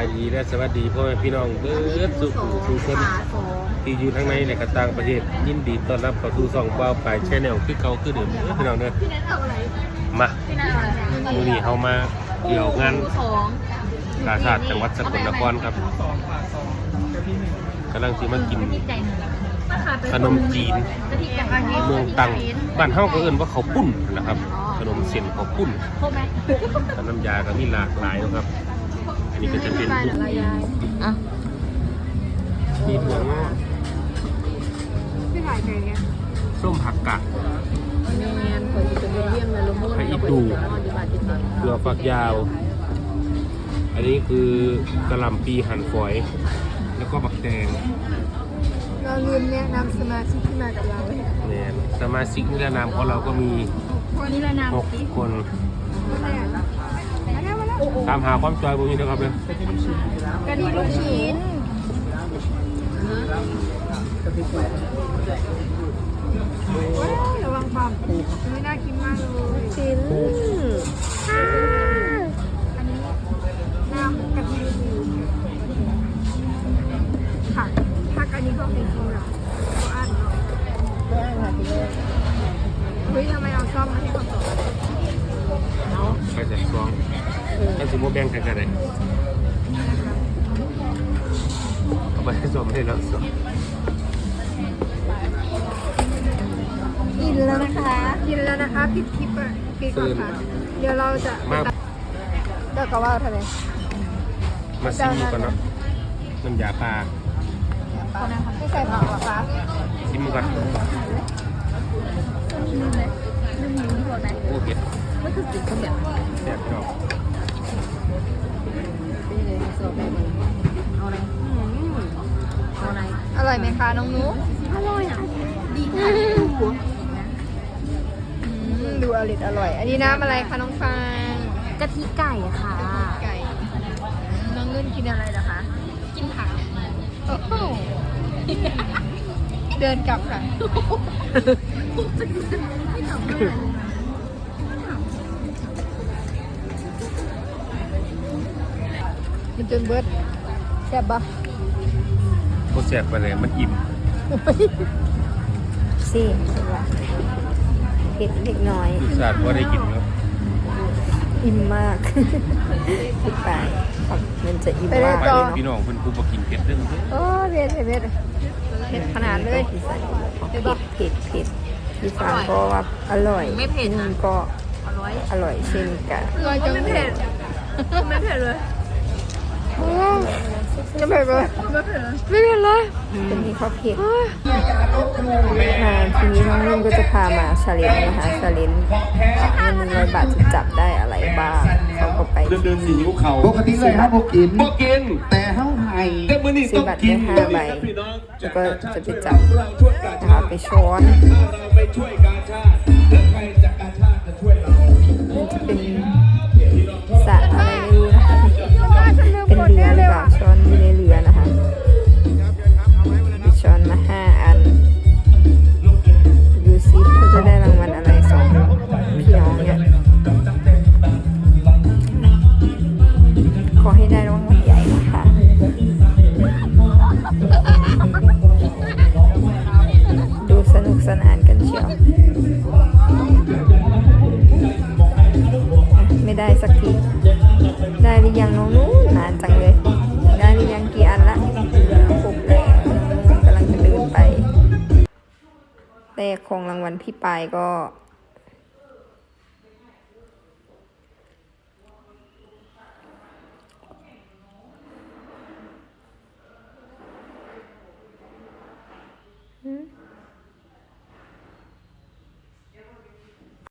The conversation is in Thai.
ายดีและสวัสดีพ่อแม่พี่น้องเบิดสุขสู่คนที่อยู่ทั้งในและก็ต่างประเทศยินดีต้อนรับเข้าสู่ช่องเป้าปลายแชนแนลคือเก่าคือเดิมพี่น้องเด้อมามื้อนี้เฮามาเที่ยวงานกาชาดจังหวัดสกลนครครับกำลังสิมากินขนมจีนเมืองตังบ้านเฮาก็เอิ้นว่าข้าวปุ้นนะครับขนมเส้นข้าวปุ้นน้ำยาก็มีหลากหลายนะครับอันนี้ก็จะเป็นมีเหลืองส้มผักกาดไข่อีตูเกลือฝักยาวอันนี้คือกะหล่ำปีหั่นฝอยแล้วก็บักแตงเราลืมแนะนำสมาชิกที่มากับเราเนี่ยสมาชิกนิรนามของเราก็มี6 คนตามหาความจอยพวกนี้นะครับเลยกระดิ่งลูกชิ้นระวังความไม่น่ากินมากเลยชิ้นอันนี้น้ำกะทิค่ะผักอันนี้ก็เป็นของเราก็อ่านเนาะก็อ่านค่ะพี่เลยเฮ้ยทำไมเอาซ่อมมาที่คอนโซลเนาะไปจัดกองนั่นคือโมแบงกันกันเลยเอาไปให้สมให้แล้วสมกินแล้วนะคะปิดคลิปอ่ะปิดก่อนค่ะเดี๋ยวเราจะเดี๋ยวก็ว่าทำไมมาซิมก่อนเนาะน้ำยาปลาไม่ใส่ผักหรอคะซิมก่อนโอ้เผ็ดไม่คือกินข้าวเหนียวแซ่บจอบอร่อยไหมคะน้องนุ๊กอร่อยอ่ะดีค่ะดูอร่อยอันนี้น้ำอะไรคะน้องฟางกะทิไก่ค่ะไก่น้องเงินกินอะไรนะคะกินผักโอ้โหเดินกลับค่ะมันจนเบิดแซ่บปะโคแซ่บไปเลยมันอิ่มสิเผ็ดเล็กน้อยรสชาติว่าได้กินครับอิ่มมากคิดไปมันจะอิ่มมากไปพี่น้องเพิ่นกูบ่กินเผ็ดเด้อโอ้เผ็ดขนาดเลยเผ็ดที่สามก็ว่าอร่อยไม่เผ็ดนะก็อร่อยเช่นกันอร่อยจังเผ็ดไม่เผ็ดเลยไม่เผ็ดเลยจะมีข้าวเผ็ดทีนี้น้องนุ่มก็จะพามาชาเลนจ์นะคะชาเลนจ์100 บาทจะจับได้อะไรบ้างเขาก็ไปเดินสีเขาปกติเลยครับพวกกินแต่เฮ้าไห้ซื้อบัตรได้5 ใบแล้วก็จะไปจับนะคะไปช้อนมันจะเป็นสระอะไรไม่รู้นะคะเป็นเรือหรือเปล่าช้อนอยู่ในเรือนะคะช้อนมา5 อันดูซิเขาจะได้รางวัลอะไร2 พี่น้องเนี่ยขอให้ได้รางวัลใหญ่นะคะดูสนุกสนานกันเชียวไม่ได้สักทีได้หรือยังน้องนู้นนานจังเลยได้หรือยังกี่อันละ6 แล้วกำลังจะเดินไปแต่ของรางวัลพี่ปายก็